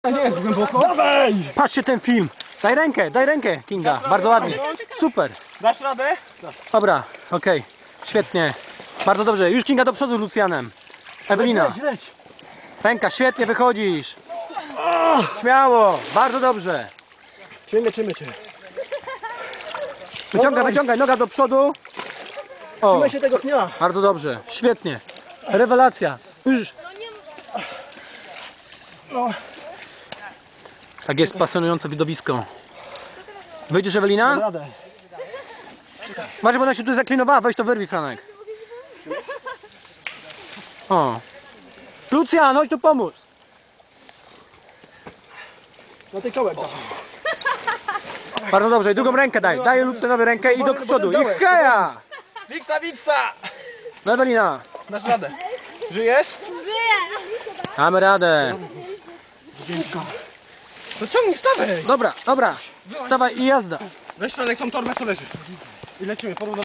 Nie jest głęboko. Dawaj! Patrzcie ten film. Daj rękę, Kinga. Bardzo ładnie. Super. Dasz radę? Dobra, okej. Świetnie. Bardzo dobrze. Już Kinga do przodu z Lucjanem. Ewelina. Leć. Ręka, świetnie wychodzisz. Śmiało. Bardzo dobrze. Trzymaj cię. Wyciągaj noga do przodu. O, Trzymaj się tego pnia. bardzo dobrze. Świetnie. Rewelacja. Już. No. Tak jest pasjonujące widowisko. Wyjdziesz, Ewelina? Radę. Masz, bo ona się tu zaklinowała. Weź to wyrwij, Franek. O. Lucjan, chodź tu pomóż. Na tej kołek. Bardzo dobrze. I drugą rękę daj. Daj Lucjanowi rękę i do przodu. I heja! Wiksa! No, Ewelina. Dasz radę. Żyjesz? Mamy radę. No ciągnij, wstawaj! Dobra. Wstawaj i jazda. Weź Franek tą torbę, co leży. I lecimy, porówno.